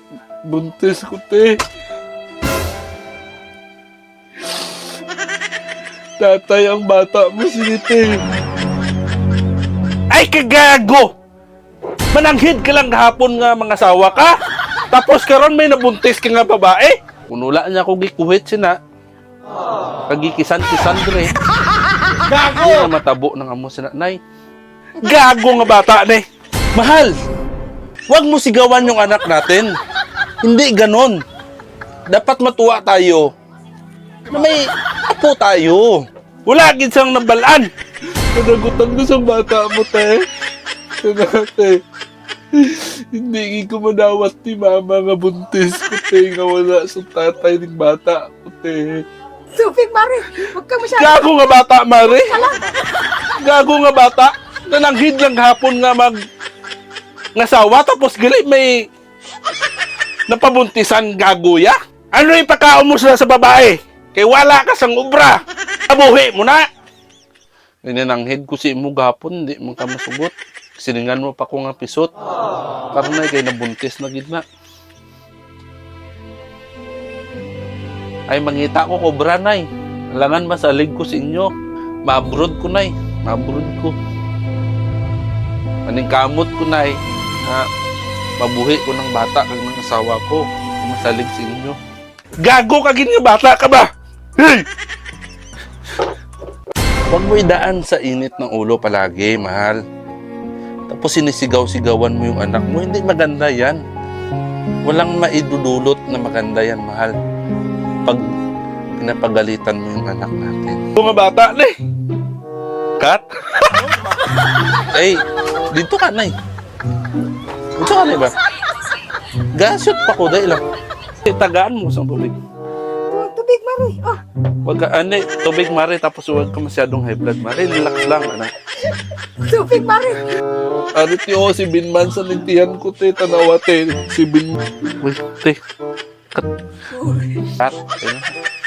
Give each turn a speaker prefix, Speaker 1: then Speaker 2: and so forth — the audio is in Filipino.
Speaker 1: Buntis ko, te. Tatay, ang bata mo si te. Ay, kagago! Mananghid ka lang kahapon nga mga asawa ka. Tapos karon may nabuntis ka nga babae. Unula niya ako gikuhit sina. Kagikisan-kisan dre. Gago! Ay, matabo ng amo sina. Nay, gago nga bata, ne. Mahal, wag mo sigawan yung anak natin. Hindi ganon. Dapat matuwa tayo na may apo tayo. Wala gid siyang nabalaan. Panagutan ko sa bata mo, te. Te. Hindi ko manawat ni mama nga buntis ko, te. Nga wala sa tatay ng bata ko, te.
Speaker 2: Tubig, Mari. Huwag ka masyado.
Speaker 1: Gago nga bata, Mari. Gago nga bata. Nananghid lang hapon nga ngasawa tapos gali may napabuntisan gaguya. Ano yung pagkaon mo sila sa babae? Kay wala ka sang ubra. Abuhi mo na. Nananghid ko si mo gapon, hindi mo ka masugot. Siningan mo pa ko nga pisot. Karon na kay nabuntis na gid na. Ay mangita ko kobra, nay. Alangan masalig ko sa inyo. Mabrod ko, nay. Mabrod ko. Maningkamot ko, nay. Na mabuhi ko ng bata kag ng asawa ko. Masalig sa inyo. Gago ka gin nga bata ka ba? Hey! Huwag mo idaan sa init ng ulo palagi, mahal. Tapos sinisigaw-sigawan mo yung anak mo. Hindi maganda yan. Walang maidudulot na maganda yan, mahal. Pag pinapagalitan mo yung anak natin. Mga bata, ne. Kat? Hey, dito ka, nay. Dito ka, nay ba? Gasot pa ko, dahil lang. Tagaan mo sa tubig.
Speaker 2: Tubig, Mari. Oh.
Speaker 1: Wag ka, tubig, Mari, tapos huwag ka masyadong high blood, Mari. Relax lang, anak.
Speaker 2: Tubig, Mari.
Speaker 1: Arit yo, si Binman sa nintihan ko, te. Tanawa, te. Si Binman. Uy, te. Kat. Kat.